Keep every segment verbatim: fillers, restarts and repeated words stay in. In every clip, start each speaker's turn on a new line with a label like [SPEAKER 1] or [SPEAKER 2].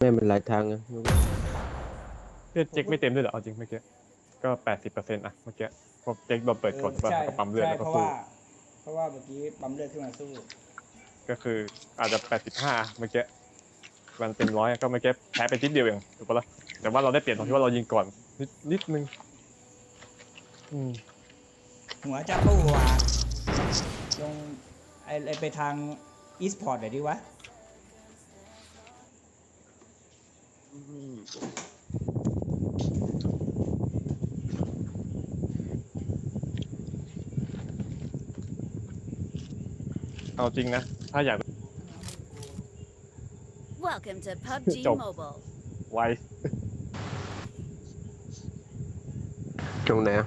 [SPEAKER 1] ไม่เป็นหลายทางนะ
[SPEAKER 2] เลือดเจ๊กไม่เต็มด้วยเหรอเอาจริงเมื่อกี้ก็แปดสิบเปอร์เซ็นต์อะเมื่อกี้พอเจ๊กโดนเปิดกดแล้วก็ปั๊มเลือดแล้วก็
[SPEAKER 3] เพราะ
[SPEAKER 2] สู้
[SPEAKER 3] ว่าเพราะว่าเมื่อกี้ปั๊มเลือดขึ้นมาสู้
[SPEAKER 2] ก็คืออาจจะแปดสิบห้าเมื่อกี้มันเป็นร้อยก็เมื่อกี้แพ้ไปนิดเดียวเองถูกปะล่ะแต่ว่าเราได้เปลี่ยนตรงที่ว่าเรายิงก่อนนิดนิดนึงอืม
[SPEAKER 3] หัวจะปูว่ะลงไอไปทางอีสปอร์ตหน่อยดิวะ
[SPEAKER 2] เอาจริงนะถ้าอยาก
[SPEAKER 4] Welcome to พับจี
[SPEAKER 2] จบ
[SPEAKER 4] Mobile
[SPEAKER 2] ไว
[SPEAKER 1] ตรงไหนอะ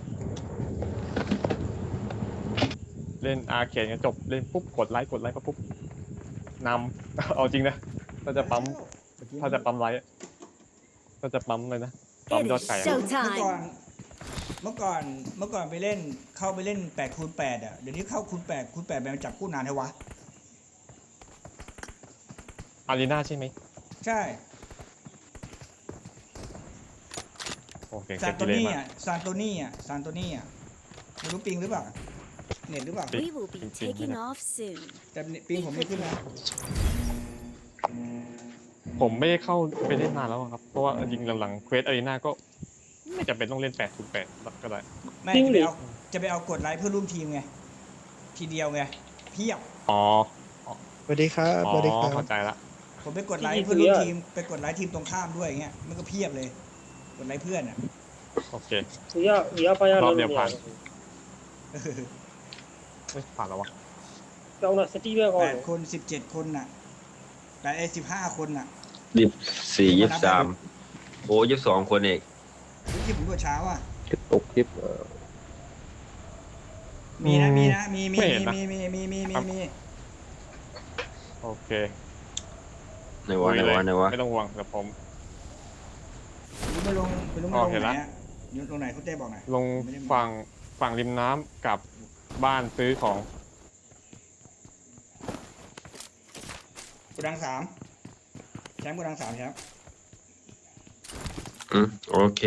[SPEAKER 2] เล่นอาร์เคดกันจบเล่นปุ๊บกดไลค์กดไลค์ก็ปุ๊บนำ เอาจริงนะถ้าจะปั๊มถ้าจะปั๊มไลค์ถ้าจะปั๊มเลยนะปั๊ม
[SPEAKER 4] It
[SPEAKER 2] ยอด
[SPEAKER 4] is
[SPEAKER 2] ไก่อะ
[SPEAKER 3] เมื่อก่อน
[SPEAKER 4] showtime
[SPEAKER 3] เมื่อก่อนเมื่อก่อนไปเล่นเข้าไปเล่นแปดคูณแปดอ่ะเดี๋ยวนี้เข้าคูณแปดคูณแปดมันจับคู่นานเท่าวะ
[SPEAKER 2] อารีนาใช่ไหม
[SPEAKER 3] ใช่
[SPEAKER 2] โอเค
[SPEAKER 3] ซา
[SPEAKER 2] เก็
[SPEAKER 3] น
[SPEAKER 2] บ
[SPEAKER 3] โต
[SPEAKER 2] กิเลส
[SPEAKER 3] นี่
[SPEAKER 2] มา
[SPEAKER 3] อ่ะซานโตนี่อ่ะซานโตนี่อ่ะไม่รู้ปิงหรือเปล่าเน็ตหรือเปล่า
[SPEAKER 4] We will be taking off soon
[SPEAKER 3] แต่ปิงผมไม่ขึ้นนะ
[SPEAKER 2] ผมไม่ได้เข้าไปเล่นนานแล้วครับเพราะว่าจริงหลังๆเควสอารีนาก็ไม่จำเป็นต้องเล่นแปดคูณแปดก็ได้
[SPEAKER 3] ไม่จะไปเอาจะไปเอากดไลค์เพื่อร่วมทีมไงทีเดียวไงเพียบ
[SPEAKER 2] อ๋อ
[SPEAKER 5] สวัสดีครับ
[SPEAKER 2] อ๋
[SPEAKER 5] สวัสดีค
[SPEAKER 2] อ
[SPEAKER 5] รับ
[SPEAKER 2] เข้าใจละ
[SPEAKER 3] ผมไปกดไลค์เพื่อร่วมทีมไปกดไลค์ทีมตรงข้ามด้วยอย่างเงี้ยมันก็เพียบเลยกดไลค์เพื่อนอ่ะ
[SPEAKER 2] โอเค
[SPEAKER 6] 不要，你要搬家
[SPEAKER 2] รอบ
[SPEAKER 6] 了
[SPEAKER 2] เดียว
[SPEAKER 6] 没
[SPEAKER 2] ผ่าน
[SPEAKER 6] 有？
[SPEAKER 2] เอ้ยผ่านแล้ววะ
[SPEAKER 6] 高了，是地面高
[SPEAKER 3] แป
[SPEAKER 6] 的
[SPEAKER 3] ด。คนสิบเจ็ดคนน่ะแปดไอ้สิบห้าคนน่ะ
[SPEAKER 7] ยี่สี่ยี่สามโอ้ยี่สองคนเอง
[SPEAKER 3] รู้ที่ผมกดเช้าอ่ะ
[SPEAKER 1] คลิปตกคลิปเออ
[SPEAKER 3] มีนะมีนะมีมี
[SPEAKER 2] ไม่เห็นนะ
[SPEAKER 3] มีมีมีมีมีมี
[SPEAKER 2] โอเค
[SPEAKER 7] ไหนวะไหนวะไหนวะ
[SPEAKER 2] ไม่ต้องห่วงเดี๋ยวผม
[SPEAKER 3] รู้ไม่ลงไม่รู้ไม่
[SPEAKER 2] อ๋
[SPEAKER 3] ล
[SPEAKER 2] อง เห็น
[SPEAKER 3] ไหน
[SPEAKER 2] ละ
[SPEAKER 3] อ่ะอยู่ตรงไหนคุณเต้บอกหน่อย
[SPEAKER 2] ลงฝั่งฝั่งริมน้ำกับบ้านซื้อของ
[SPEAKER 3] กูดังสามแชมป์กูดังสามแชมป์
[SPEAKER 7] อืมโอเค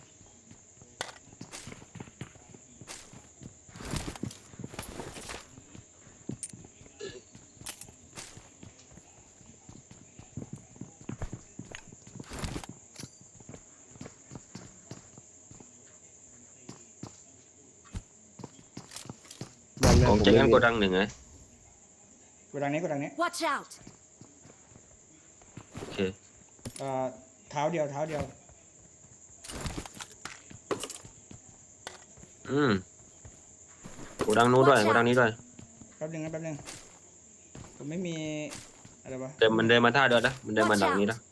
[SPEAKER 7] ของเจ๊งั้นก็ดังหนึ่งไง
[SPEAKER 3] กูดังนี้กูดังนี้
[SPEAKER 4] Watch out
[SPEAKER 7] โอเค
[SPEAKER 3] เอ่อเท้าเดียวเท้าเดียว
[SPEAKER 7] อืมกูดังนู้นด้วยกูดังนี้ด้วย
[SPEAKER 3] แป๊บนึงนะแป๊บนึงผมไม่มีอะไรวะ
[SPEAKER 7] แต่มันเดินมาท่าเดินนะมันเดินมาดังนี้นะ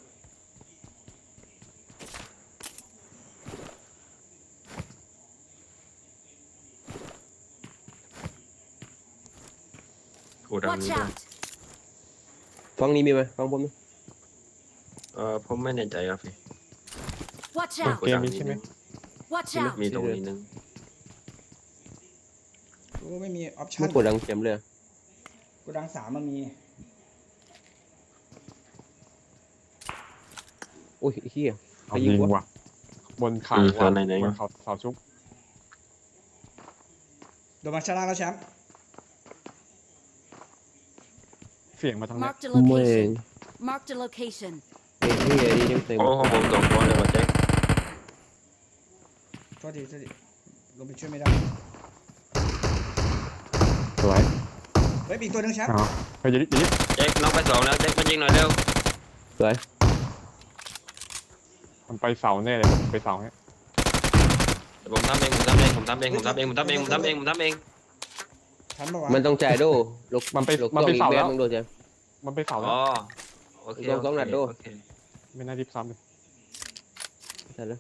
[SPEAKER 7] กูดัง
[SPEAKER 4] Watch
[SPEAKER 7] นี้ด้วย
[SPEAKER 4] out
[SPEAKER 1] ฟังนี้มีไหมฟังผมไหม
[SPEAKER 7] เออผมไม่แน่ใจครับพี่
[SPEAKER 4] Watch
[SPEAKER 7] กู
[SPEAKER 4] out
[SPEAKER 7] ดังนี้นึง
[SPEAKER 4] Watch
[SPEAKER 7] มีไหม
[SPEAKER 4] out
[SPEAKER 7] มีตรงนี้นึง
[SPEAKER 3] กูไม่มีออปชั่
[SPEAKER 1] ไม่
[SPEAKER 3] น
[SPEAKER 1] กดดังเข็มเลย
[SPEAKER 3] กูดังสามมันมี
[SPEAKER 1] โอ้ยเฮีย
[SPEAKER 2] เอายิงว่ะบนเขา
[SPEAKER 7] อืม
[SPEAKER 2] ว่ะ
[SPEAKER 7] ไหนไหน
[SPEAKER 2] บนเขาเสาชุบ
[SPEAKER 3] โดนมาชาลาแล้วแชมป์
[SPEAKER 2] เสียงมาทางนี้
[SPEAKER 4] Marked a
[SPEAKER 1] ไม่
[SPEAKER 4] location Marked a location
[SPEAKER 1] ไอ้เฮียนี่ยังเต็ม
[SPEAKER 7] โอ้ของผมสองคนเลยว่ะเจ๊
[SPEAKER 3] โทษทีโทษทีลงไปช่วยไม่ได้
[SPEAKER 2] สวย
[SPEAKER 3] เฮ้ยอีกตัวหนึงแชมป์
[SPEAKER 2] อ๋อเฮ้ยอย่าดิอย่าดิ
[SPEAKER 7] เจ๊น้องไปสองแล้วเจ๊มายิงหน่อยเร็ว
[SPEAKER 1] สวย
[SPEAKER 2] มันไปเสาแน่เลยไปเสาเนี่ย
[SPEAKER 7] เดี๋ยวผมทำเองผมทำเองผมทำเองผมทำเองผมทำเองผมทำเองผมทำเอง
[SPEAKER 3] ทันปะวะ
[SPEAKER 1] มันต้องจ่ายโดลก
[SPEAKER 2] มันไป
[SPEAKER 1] ลก
[SPEAKER 2] มันไป
[SPEAKER 1] อีก
[SPEAKER 2] เสา
[SPEAKER 1] แบ
[SPEAKER 2] แล้
[SPEAKER 1] บ
[SPEAKER 2] ว
[SPEAKER 1] มึงโดนใช่
[SPEAKER 2] มันไปเสาแล้
[SPEAKER 7] อ๋
[SPEAKER 2] ว
[SPEAKER 7] อโอเค
[SPEAKER 1] ลองสองนัดดู
[SPEAKER 7] โอเค
[SPEAKER 2] ไม่น่ารีบซ้ำเลย
[SPEAKER 1] ใช่แล้ว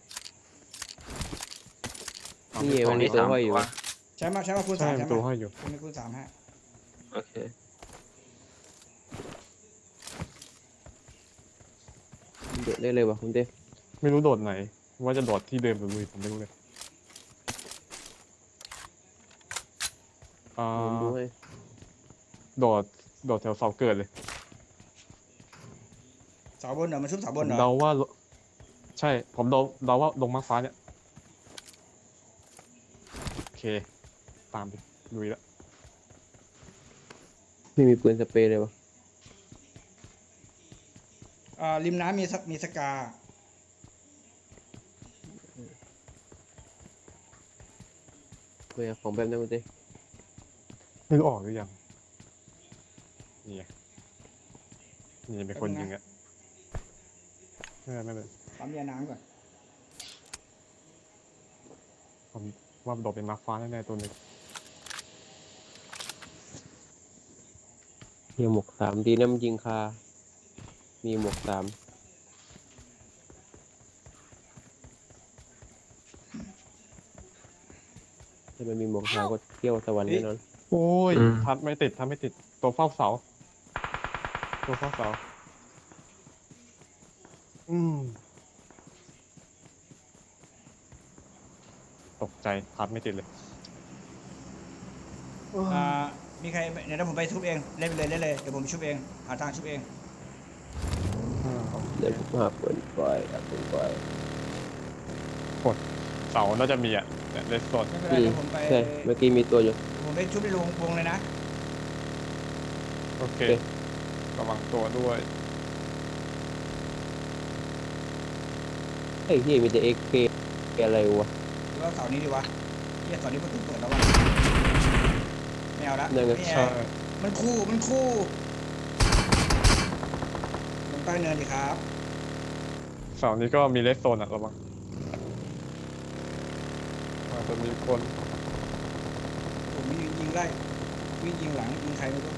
[SPEAKER 2] เอา
[SPEAKER 1] นี่
[SPEAKER 2] ไป
[SPEAKER 1] มันมีตัวห้อยอยู่
[SPEAKER 7] วะ
[SPEAKER 3] แชมป์มาแชมป์มาคูณ
[SPEAKER 2] ใช่
[SPEAKER 3] สามแช
[SPEAKER 2] มัน
[SPEAKER 3] มป์
[SPEAKER 2] ตัว
[SPEAKER 3] มา
[SPEAKER 2] ห้อยอยู่
[SPEAKER 3] มีคูณสามฮะ
[SPEAKER 7] โอเค
[SPEAKER 1] เดือดได้เลยวะคุณเต้
[SPEAKER 2] ไม่รู้โดดไหน ว่าจะโดดที่เดิมหรือลุยผมไม่รู้เลยอ่า
[SPEAKER 1] ผมดูให้
[SPEAKER 2] โดดโดดแถวเสาเกิดเลย
[SPEAKER 3] เสาบนเหรอมันชุบเสาบนเหรอ
[SPEAKER 2] เดาว่าใช่ผมเดาเดาว่าลงมาร์คฟ้าเนี่ยโอเคตามไปลุยแล้ว
[SPEAKER 1] ไม่มีปืนสเปรย์เลยวะ
[SPEAKER 3] อ่าริมน้ำมีสมีสกา
[SPEAKER 1] เฮ้ยของแบบนั้นคุณเต้
[SPEAKER 2] นึกออกหรือยังนี่ไงนี่เป็นคนยิงอะไม่เป็นไม่เป็น
[SPEAKER 3] ปั๊มยาน้ำก่อน
[SPEAKER 2] ผมว่าโดดเป็นมาร์คฟ้าแน่ๆตัวหนึ่ง
[SPEAKER 1] มีหมวกสามดีนะมันยิงคา มีหมวกสามถ้ามันมีหมวกสามก็เที่ยวสวรรค์แน่นอน
[SPEAKER 2] โอ้ย
[SPEAKER 7] อืม
[SPEAKER 2] ทัดไม่ติดทัดไม่ติดตัวเฝ้าเสาตัวเฝ้าเสาอืมตกใจทัดไม่ติดเลย
[SPEAKER 3] อ่ามีใครเดี๋ยวผมไปชุบเองเล่นไปเลยเล่นเลยเดี๋ยวผมชุบเองหาทางชุบเอง
[SPEAKER 1] เดี๋ยวผมหาปืนไฟหาปืนไฟ
[SPEAKER 2] เสาน่าจะมีอ่ะเนี่ยเลสโซน
[SPEAKER 3] ไม่เป็นไร
[SPEAKER 1] อืม
[SPEAKER 3] เดี๋ยวผมไป
[SPEAKER 1] ใช่ เมื่อกี้มีตัวอยู่
[SPEAKER 3] ผมไปชุบในวงวงเลยนะ
[SPEAKER 2] โอเค
[SPEAKER 1] โอเค
[SPEAKER 2] ระวังตัวด้วย
[SPEAKER 1] เฮ้ยที่มีแต่เอ็กเคอะไรวะ
[SPEAKER 3] หรือว่าเสาร์นี้ดีวะเฮียเสาร์นี้ประตูเปิดแล้ววะไม่เอาละ
[SPEAKER 1] นั่นไง
[SPEAKER 3] ไม่
[SPEAKER 2] ใช่
[SPEAKER 3] เอามันคู่มันคู่ลงใต้เนินดีครับ
[SPEAKER 2] เสานี้ก็มีเลสโซนอ่ะระวังอาจจะมีคน
[SPEAKER 3] ผมวิ่งยิงไล่วิ่งยิงหลังยิงใครไม่รู้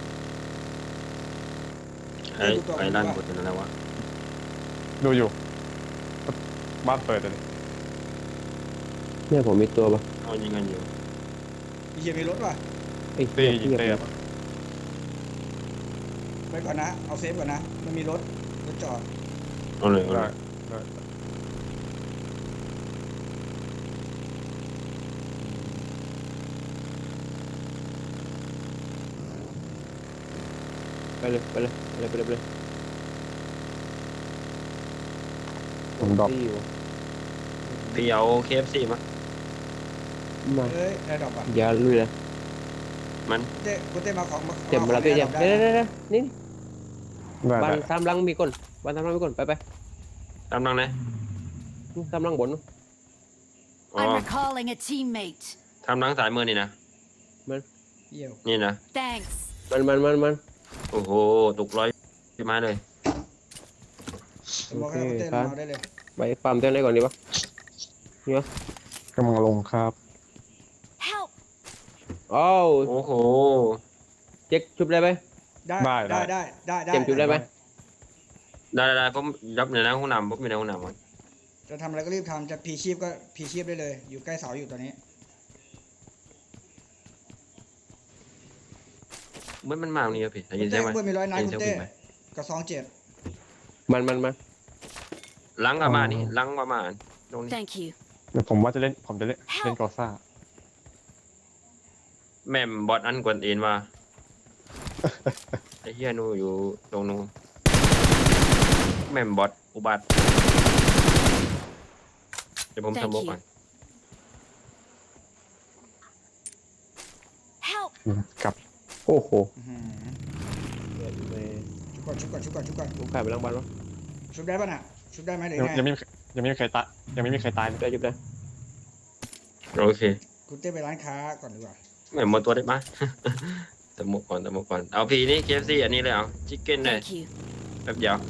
[SPEAKER 7] ไอ้ไอ้ด้านบนนั่นแหละวะ
[SPEAKER 2] ดูอยู่บ้านเปิดเลย
[SPEAKER 1] เนี่ยผมมีตัวปะ
[SPEAKER 7] เขายิงกันอยู่
[SPEAKER 3] มีเฮียมีรถว่ะ
[SPEAKER 1] ไอ้
[SPEAKER 2] ตี
[SPEAKER 1] เหี้ย
[SPEAKER 2] ยิง
[SPEAKER 1] เหี้ย
[SPEAKER 2] เตะ
[SPEAKER 3] ไปก่อนนะเอาเซฟก่อนนะมันมีรถรถจอด
[SPEAKER 7] เอาเลยเอาเล
[SPEAKER 2] ได้
[SPEAKER 7] ย
[SPEAKER 2] ได้
[SPEAKER 1] ไปเลยไปเลยไปเลยไปเลยไปเลย
[SPEAKER 2] ผมดรอป
[SPEAKER 1] ที่อยู่
[SPEAKER 7] พี่เอาเคฟซีมา
[SPEAKER 1] มา
[SPEAKER 3] เอ้ยได้ดอกป่ะ
[SPEAKER 1] อย่าลุยเลย
[SPEAKER 7] มัน
[SPEAKER 3] เต้กูเต้มาของมา
[SPEAKER 1] เจ็บมาแล้วพี่เจ็บ
[SPEAKER 3] ได้
[SPEAKER 1] เดี๋ยวเดี๋ยวเดี๋ยวนี่
[SPEAKER 2] ได้
[SPEAKER 1] บ้าน
[SPEAKER 2] ได้
[SPEAKER 1] ตามหลังมีคนบ้านตามหลังมีคนไปไป
[SPEAKER 7] ตามนังนะ
[SPEAKER 1] ตามหลังบน
[SPEAKER 7] อ๋อ
[SPEAKER 4] I'm recalling a teammate.
[SPEAKER 7] ทำนังสายมือนี่นะ
[SPEAKER 3] เยี่ยว
[SPEAKER 7] นี่นะ
[SPEAKER 4] Thanks.
[SPEAKER 1] มันมันมันมัน
[SPEAKER 7] โอ้โหตกร้อยพี่ไม้เลย
[SPEAKER 3] ผมบอกให้กูเต้ลงมาได้เลย
[SPEAKER 1] ไปฟาร์มเต้นไหนก่อนดีวะเนี่ย
[SPEAKER 2] กำลังลงครับ
[SPEAKER 4] Help!
[SPEAKER 1] อ้าว
[SPEAKER 7] โอ้โห
[SPEAKER 1] เจ๊กชุบได้ไหม
[SPEAKER 3] ได้
[SPEAKER 2] ได้
[SPEAKER 3] ได้ได้ได้ได้
[SPEAKER 1] เจ็บจุดได้ไหม
[SPEAKER 7] ได้ได้ได้ผมรับอยู่ในห้องน้ำผมอยู่ในห้องน้ำก่อน
[SPEAKER 3] จะทำอะไรก็รีบทำจะพีชีพก็พีชีพได้เลย อยู่ใกล้เสาอยู่ตอนนี้
[SPEAKER 7] เมื่อมันมาตรงนี้ครับพี่ได้ยิน
[SPEAKER 3] เต้
[SPEAKER 7] ใช่ไหม
[SPEAKER 3] เพื่อนมีร้อยนัด
[SPEAKER 7] ได้ยิ
[SPEAKER 3] คุณ
[SPEAKER 7] เสียง
[SPEAKER 3] เต้
[SPEAKER 7] วิ่งไหม
[SPEAKER 3] กับสองเจ็ด
[SPEAKER 1] มันมันมัน
[SPEAKER 7] หลังกับมานี่หลังกับมาตรงนี้
[SPEAKER 4] Thank you.
[SPEAKER 2] เดี๋ยวผมว่าจะเล่นผมจะเล่นเล่นกอซ่า
[SPEAKER 7] แม่มบอดอันกวนเอ็นว่า ไอ้เฮียหนูอยู่ตรงนู้นแม่มบอดอุบัติเดี๋ยวผม
[SPEAKER 4] Thank
[SPEAKER 7] ทำบก
[SPEAKER 4] you.
[SPEAKER 7] ก่อน
[SPEAKER 4] Help!
[SPEAKER 2] กับ
[SPEAKER 1] โอ้โห
[SPEAKER 3] อื้อหือชุบก่อนชุบก่อนชุบก่อนชุบก่อน
[SPEAKER 1] ผมขายไปหลังบ้านแล้ว
[SPEAKER 3] ชุบได้ป่ะน่ะชุบได้ไหมหรือ
[SPEAKER 2] ยัง
[SPEAKER 3] ไง
[SPEAKER 2] ยังไม่มียังไม่มีใครตายยังไม่มีใครตายเลย
[SPEAKER 1] ได้ชุบได้
[SPEAKER 7] โอเค
[SPEAKER 3] คุณเต้ไปร้านค้าก่อนดีกว่า
[SPEAKER 7] แม่มหมดตัวได้ปะ ทำบกก่อนทำบกก่อนเอาพีนี่เคฟซีอันนี้เลยเอาชิคเก้นเลย
[SPEAKER 4] Thank you.
[SPEAKER 7] แป๊บเดียว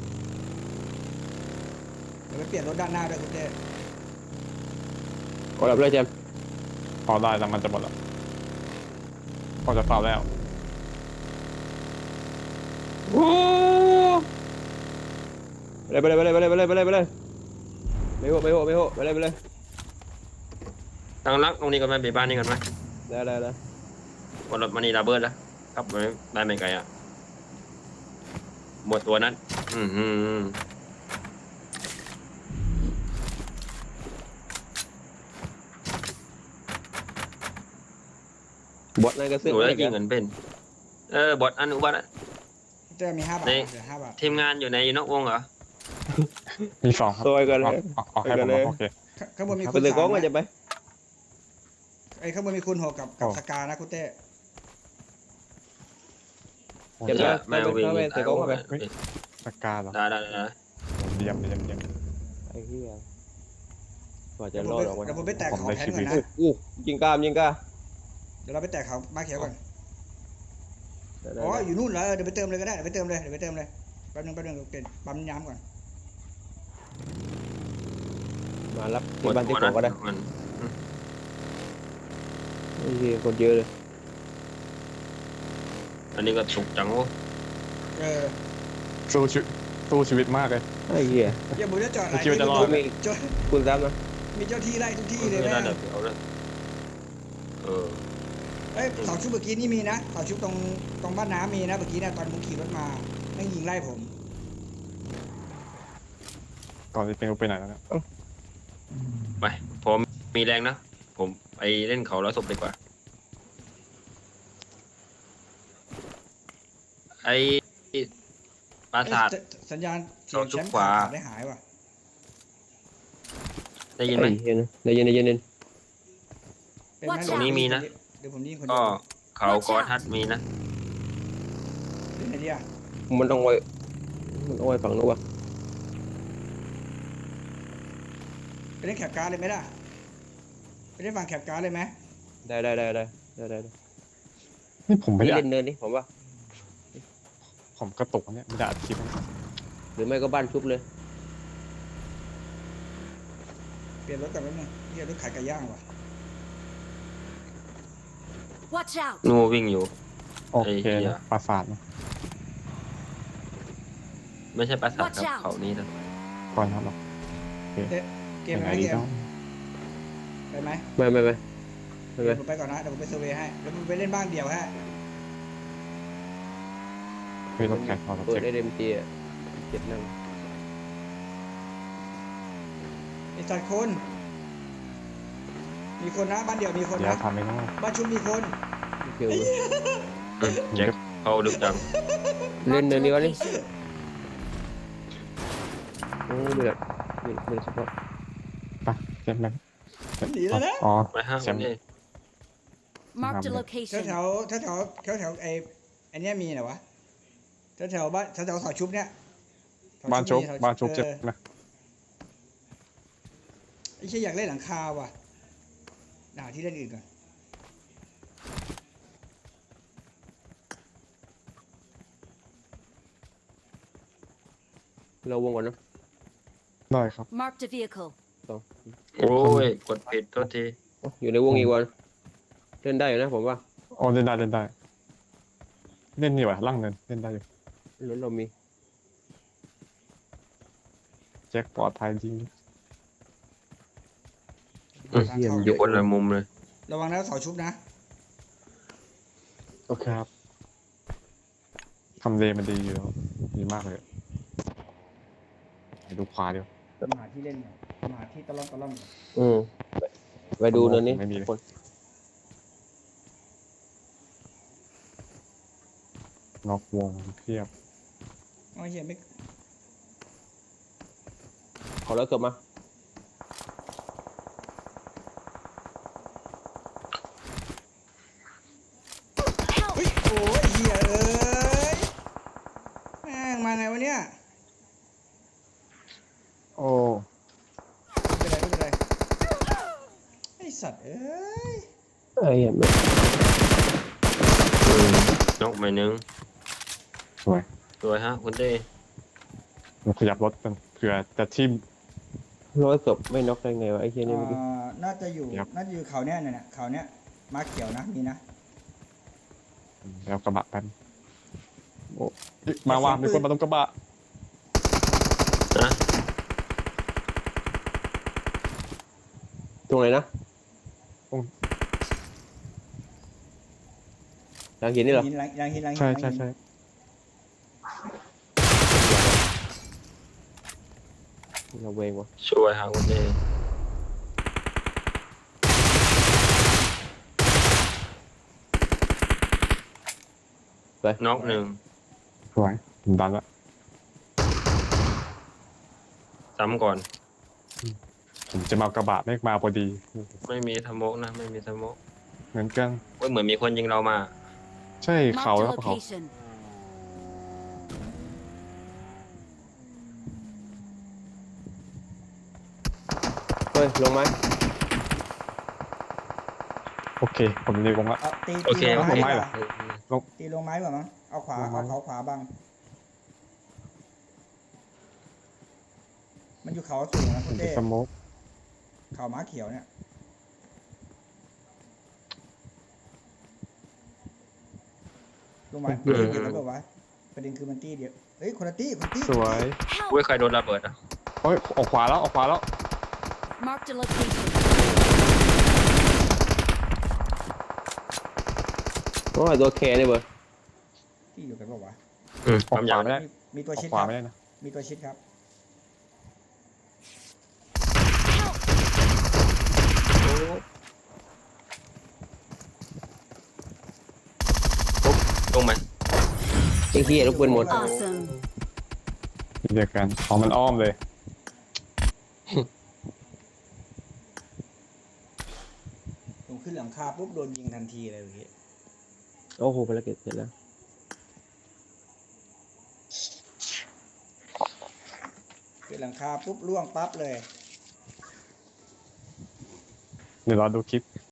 [SPEAKER 3] เดี๋ยวไปเปลี่ยนรถด้านหน้าด้วยคุณเต้
[SPEAKER 1] กดรับเลยเจมส์
[SPEAKER 2] พอได้แล้วมันจะหมดแล้วพอจะเฝ้าแล้ว
[SPEAKER 1] โอ้ไปเลยไปเลยไปเลยไปเลยไปเลยไปเลยไม่โหไม่โหไม่โหไปเลยไปเลย
[SPEAKER 7] ตั้งรักตรงนี้ก่อนไหมเบบ้านนี้ก่อนไหม
[SPEAKER 1] ได้ได้ได้
[SPEAKER 7] กดรถมานี่ระเบิดแล้วครับไม่ได้ไม่ไกลอ่ะหมดตัวนั้น อืมอืม
[SPEAKER 1] บอสนั่นก็
[SPEAKER 7] ห
[SPEAKER 1] ซื้อ
[SPEAKER 7] นูได้ยิงเงินเป็น เออบอดอันอุบัติอะ
[SPEAKER 3] คุณเต้มีห้าบาท
[SPEAKER 7] นี่
[SPEAKER 3] เหลือห้าบาท
[SPEAKER 7] ทีมงานอยู่ในนอกวงเหรอ
[SPEAKER 2] มีสองครับ
[SPEAKER 1] ซอยกันเล
[SPEAKER 2] เอา
[SPEAKER 1] ย
[SPEAKER 2] เอาเอาให้
[SPEAKER 1] ไปกั
[SPEAKER 2] ผม
[SPEAKER 1] นเลย
[SPEAKER 2] โอเค
[SPEAKER 3] ข้าข้างบนมี
[SPEAKER 1] ไป
[SPEAKER 3] คุณ
[SPEAKER 1] เลยก้อง
[SPEAKER 3] สาม
[SPEAKER 1] ก็จะ
[SPEAKER 3] นะ
[SPEAKER 1] ไป
[SPEAKER 3] ไอ้ข้างบนมีคุณหกกับกับ
[SPEAKER 2] อ๋อ
[SPEAKER 3] สกานะคุณเต้
[SPEAKER 1] เจ็บ
[SPEAKER 7] จะ
[SPEAKER 1] แล้ว
[SPEAKER 7] ไม่
[SPEAKER 1] ไม่
[SPEAKER 7] วิ่ง
[SPEAKER 1] ไม่แต่ก้องเข้าไป
[SPEAKER 2] สกาเหรอ
[SPEAKER 7] ได้ได้ได้
[SPEAKER 2] เยี่ยมเยี่ยมเยี่ยม
[SPEAKER 1] ไอ้เหี้ยกว่าจะ
[SPEAKER 3] เดี๋ยว
[SPEAKER 1] ร
[SPEAKER 3] ผม
[SPEAKER 1] อดออกมา
[SPEAKER 3] ไปเดี๋ยวผมไปแตก
[SPEAKER 2] ผม
[SPEAKER 3] เขา
[SPEAKER 2] ได้
[SPEAKER 3] แทน
[SPEAKER 2] ชี
[SPEAKER 3] ก่
[SPEAKER 2] วิ
[SPEAKER 3] อน
[SPEAKER 2] ต
[SPEAKER 3] นะ
[SPEAKER 1] อู้ยิงกล้ามยิงกล้า
[SPEAKER 3] เดี๋ยวเราไปแตกเขามาเขียวก่อน
[SPEAKER 1] ได้ได้
[SPEAKER 3] อ๋อ
[SPEAKER 1] ได้
[SPEAKER 3] อยู่นู่นเหรอเดี๋ยวไปเติมเลยก็ได้เดี๋ยวไปเติมเลยเดี๋ยวไปเติมเลยแป๊บนึงแป๊บนึงเปลี่ยนปั๊มย้ำก่อน
[SPEAKER 1] มารับ
[SPEAKER 7] หม
[SPEAKER 1] ที่
[SPEAKER 7] ด
[SPEAKER 1] บ้านที่
[SPEAKER 7] ตัว
[SPEAKER 1] สอ
[SPEAKER 7] นั้
[SPEAKER 1] ง
[SPEAKER 7] น
[SPEAKER 1] ก็ได้
[SPEAKER 7] มัน
[SPEAKER 1] ไอ้เหี้ยคนเยอะเลย
[SPEAKER 7] อันนี้ก็สุกจังโอ้
[SPEAKER 3] เออ
[SPEAKER 2] สู้ชีวิตสู้ชีวิตมากเลย
[SPEAKER 1] ไอ้เหี้ย
[SPEAKER 3] อย่าบุญจะจอดไหล
[SPEAKER 2] คิดว่าจะรอดไหม
[SPEAKER 3] เจ้า
[SPEAKER 1] คุณซ้ำนะ
[SPEAKER 3] มีเจ้าที่ไล่ทุกที่เลย
[SPEAKER 7] ไม่
[SPEAKER 3] แม่
[SPEAKER 7] ได้
[SPEAKER 3] ง
[SPEAKER 7] เดี๋ยวเอาเลยเออ
[SPEAKER 3] เอ้ยเสาชุบเมื่อกี้นี่มีนะเสาชุบตรงตรงบ้านน้ำมีนะเมื่อกี้นะตอนผมขี่รถมาแม่งยิงไล่ผม
[SPEAKER 2] ก่อนจะเป็นไปไหนแล้วเนี่ย
[SPEAKER 7] ไปผมมีแรงนะ ผมไปเล่นเขาแล้วศพดีกว่า ไอปราสาท
[SPEAKER 3] เอ้ยสัญญาณเสียง
[SPEAKER 7] เสาชุบ
[SPEAKER 3] แชมป์
[SPEAKER 7] ขวา
[SPEAKER 3] ขาดได้หายว่ะ
[SPEAKER 7] ได้ยินไหม
[SPEAKER 1] ไอ้เหี้ยนะได้ยินได้ยินได้ยิน
[SPEAKER 3] เป็นไหม
[SPEAKER 4] Watch
[SPEAKER 3] เดี๋ยว
[SPEAKER 7] out มีนะ
[SPEAKER 3] เดี๋ยวผมยิงคน
[SPEAKER 7] ก็
[SPEAKER 3] เดียว
[SPEAKER 7] เขากอทัดมีนะ
[SPEAKER 3] เล่นไหนดีอ่ะ
[SPEAKER 1] มันต้องไว้มันต้องไว้ฝั่งนู้นวะ
[SPEAKER 3] ไปเล่นแคปการ์ดเลยไหมล่ะไปเล่นฝั่งแคปการ์ดเลยไหม
[SPEAKER 1] ได้ได้ได้ได้ได้ได้ได้
[SPEAKER 2] นี่ผมไม่
[SPEAKER 1] นี่
[SPEAKER 2] ได้อั
[SPEAKER 1] เล่
[SPEAKER 2] ด
[SPEAKER 1] นเนินนี่ผมว่า
[SPEAKER 2] ผมกระตุกเนี่ยไม่ได้อัดคลิปนะ
[SPEAKER 1] หรือไม่ก็บ้านชุบเลย
[SPEAKER 3] เปลี่ยนรถก่อนแป๊บนึงเรียกรถขายไก่ย่างว่ะ
[SPEAKER 4] Watch out!
[SPEAKER 7] นูวิ่งอยู่
[SPEAKER 2] โอเค
[SPEAKER 7] ไอ้เหี้ย
[SPEAKER 2] นะปราสาทนะ
[SPEAKER 7] ไม่ใช่ปราสาท
[SPEAKER 4] Watch
[SPEAKER 7] ครับ
[SPEAKER 4] out
[SPEAKER 7] เขานี้นะ
[SPEAKER 2] ก่อนครับเรา
[SPEAKER 3] เกม
[SPEAKER 2] ยัง
[SPEAKER 3] ไห
[SPEAKER 2] ไง
[SPEAKER 3] ม
[SPEAKER 2] ดี
[SPEAKER 3] เกม
[SPEAKER 2] เนาะ
[SPEAKER 3] ไปไหม
[SPEAKER 1] ไม่ไม่ไม่ไม่
[SPEAKER 3] เดี๋
[SPEAKER 1] ไม่
[SPEAKER 3] ยวผมไปก่อนนะเดี๋ยวผมไปเซอร์เวย์ให้แล้วผมไปเล่นบ้านเดียวฮะ
[SPEAKER 2] เฮ้ยรถแข่งเรา
[SPEAKER 1] เปิด
[SPEAKER 2] เจ็บ
[SPEAKER 1] ได้เต็มทีอ่ะเจ็บนั่ง
[SPEAKER 3] ไอ้สัตว์คนมีคนนะบ้านเดียวมีคน
[SPEAKER 2] เดี๋ยว
[SPEAKER 3] นะ
[SPEAKER 2] ทำไม่ได้
[SPEAKER 3] บ้านชุมมีคน
[SPEAKER 1] เกี่ยว
[SPEAKER 7] อืมแจ็คเขาดึกจัง
[SPEAKER 1] เล่น
[SPEAKER 4] Marked
[SPEAKER 1] เนิ
[SPEAKER 4] a
[SPEAKER 1] นนี้วะนี่
[SPEAKER 4] location.
[SPEAKER 1] โอ้ไม่แบบไม่ไม่เฉพาะ
[SPEAKER 2] ไปเจ็บไหม
[SPEAKER 3] หนีแล้วนะ
[SPEAKER 2] อ๋อ
[SPEAKER 7] ไปห้าง
[SPEAKER 2] แช
[SPEAKER 7] ค
[SPEAKER 2] ม
[SPEAKER 7] น
[SPEAKER 2] ป์
[SPEAKER 7] นี้
[SPEAKER 4] Marked a
[SPEAKER 3] แถว
[SPEAKER 4] location.
[SPEAKER 3] แถวแถวแถวแถวแถวไอ้ไอ้เนี้ยมีเหรอวะแถวแถวบ้านแถวแถวเสาชุบเนี้ยเส
[SPEAKER 2] บ้านชุบ
[SPEAKER 3] มีเส
[SPEAKER 2] บ้านชุบเจ็บ
[SPEAKER 3] ออ
[SPEAKER 2] นะ
[SPEAKER 3] ไอ้เชี่ยอยากเล่นหลังคาว่ะหาที่เล่นอื่นก่อน
[SPEAKER 1] เราวงก่อนเนอะ
[SPEAKER 2] ได้ครับ
[SPEAKER 4] Marked a vehicle.
[SPEAKER 7] โอ้ย กดผิดโทษที
[SPEAKER 1] อยู่ในวงอีกวันเล่นได้อยู่นะผมว่า
[SPEAKER 2] อ๋อเล่นได้เล่นได้ เล่นนี่วะล่างเนินเล่นได้อยู่
[SPEAKER 1] รถเรามี
[SPEAKER 2] แจ็คปลอดภัยจริง
[SPEAKER 7] อืม
[SPEAKER 3] ทางเข้า
[SPEAKER 7] อยู่คนละมุมเลย
[SPEAKER 3] ระวังนะเสาชุบนะ
[SPEAKER 2] โอเคครับทำเลมันดีอยู่แล้วดีมากเลยไปดูขวาเดียว
[SPEAKER 3] หาที่เล่นก่อนหาที่ตะล่อมตะล่อมก่อน
[SPEAKER 1] อืมไปไปดูเนินนี้
[SPEAKER 2] ไม่มีเลย
[SPEAKER 1] คน
[SPEAKER 2] นอกวงเพียบ
[SPEAKER 3] โอ้ยเหี้ยไม่
[SPEAKER 1] ขอแล้วเกือบมา
[SPEAKER 3] เฮ้ยโอ้ยเหี้ยเอ้ยแม่งมาไงวะเนี่ย
[SPEAKER 2] โอ้
[SPEAKER 3] ไม่เป็นไรไม่เป็นไรไอ้สัตว์เอ้ย
[SPEAKER 1] ไอ้เหี้ยไม่
[SPEAKER 7] อืมนกไปหนึ่ง
[SPEAKER 2] สวย
[SPEAKER 7] สวยฮะคุณเต้
[SPEAKER 2] เราขยับรถกันเผื่อจะทิ่ม
[SPEAKER 1] ร้อยเกือบไม่น็อกได้ไงวะไอ้เหี้ยนี่เมื่อกี้
[SPEAKER 3] อ่าน่าจะอยู่
[SPEAKER 2] ครับ
[SPEAKER 3] น่าจะอยู่เขาเนี้ยเนี่ยเขาเนี้ยมาเขียวนะมีนะ
[SPEAKER 2] แล้วกระบะแป๊บโอ้เฮ้ยมาว่ามีคนมาตรงกระบะ
[SPEAKER 7] นะ
[SPEAKER 1] ตรงไหนนะหลังหินนี่เหรอ
[SPEAKER 3] หินหลังหลังหินหลังหิน
[SPEAKER 2] ใช่
[SPEAKER 3] หลัง
[SPEAKER 2] ใช่
[SPEAKER 3] หิน
[SPEAKER 2] ใช่
[SPEAKER 1] เราเวงวะ
[SPEAKER 7] ช่วยฮะคุณเต้
[SPEAKER 1] ไป
[SPEAKER 7] น็อกหนึ่ง
[SPEAKER 2] สวยผมดันละ
[SPEAKER 7] ซ้ำก่อน
[SPEAKER 2] ผมจะมาเอากระบะไม่มาพอดี
[SPEAKER 7] ไม่มีสโมกนะไม่มีสโมก
[SPEAKER 2] เหมือนกัน
[SPEAKER 7] เว้ยเหมือนมีคนยิงเรามา
[SPEAKER 2] ใช่เขา
[SPEAKER 4] Marked
[SPEAKER 2] แล้
[SPEAKER 4] a
[SPEAKER 2] วเขา
[SPEAKER 4] location.
[SPEAKER 1] เฮ้ยลงไหม
[SPEAKER 2] โอเค ผมเรียกว่า
[SPEAKER 3] เอาตี
[SPEAKER 7] โอ
[SPEAKER 3] ตี
[SPEAKER 7] เค
[SPEAKER 3] ลง
[SPEAKER 2] ลงไม้
[SPEAKER 3] ไม้
[SPEAKER 2] เห
[SPEAKER 3] เห
[SPEAKER 2] ร
[SPEAKER 3] ร
[SPEAKER 2] อ
[SPEAKER 3] อตีลงไม้ก่อนมั้งเอาขวา
[SPEAKER 2] ลงไม้
[SPEAKER 3] เอาเขาขวาบังมันอยู่เขาสูงนะ
[SPEAKER 2] ผ
[SPEAKER 3] คุ
[SPEAKER 2] ม
[SPEAKER 3] ณ
[SPEAKER 2] จะ
[SPEAKER 3] เต้
[SPEAKER 2] สโมก
[SPEAKER 3] เขาม้าเขียวเนี่ยลงไม้ตีเดียวกันแบบวะประเด็นคือมันตีเดียวเฮ้ยคนละตีคนละตี
[SPEAKER 2] สวย
[SPEAKER 4] Help!
[SPEAKER 7] เว้ยใครโดนระเบิดอ่ะ
[SPEAKER 2] โอ้ยออกขวาแล้วออกขวาแล้ว
[SPEAKER 4] Marked a location.
[SPEAKER 1] โอ้ยตัวแคร์นี่เบอร์
[SPEAKER 3] ตีอยู่กันแบบวะ
[SPEAKER 7] อืม
[SPEAKER 2] ออก
[SPEAKER 7] ปั๊ม
[SPEAKER 2] ขวาย
[SPEAKER 7] าง
[SPEAKER 2] ไม่ได้
[SPEAKER 3] มีมีตัว
[SPEAKER 2] ออก
[SPEAKER 3] ชิด
[SPEAKER 2] ขวา
[SPEAKER 3] ครับ
[SPEAKER 2] ไม่ได้นะ
[SPEAKER 3] มีตัวชิดครับ
[SPEAKER 7] ลงไหม
[SPEAKER 1] ไอ้เหี้ยลูกปืนหมด
[SPEAKER 4] Awesome.
[SPEAKER 2] เดียวกันอ๋อมันอ้อมเลย
[SPEAKER 3] ผมขึ้นหลังคาปุ๊บโดนยิงทันทีเลยเมื่อกี้
[SPEAKER 1] โอ้โหภารกิจเสร็จแล้ว
[SPEAKER 3] ขึ้นหลังคาปุ๊บล่วงปั๊บเลย
[SPEAKER 2] เดี๋ยวรอดูคลิป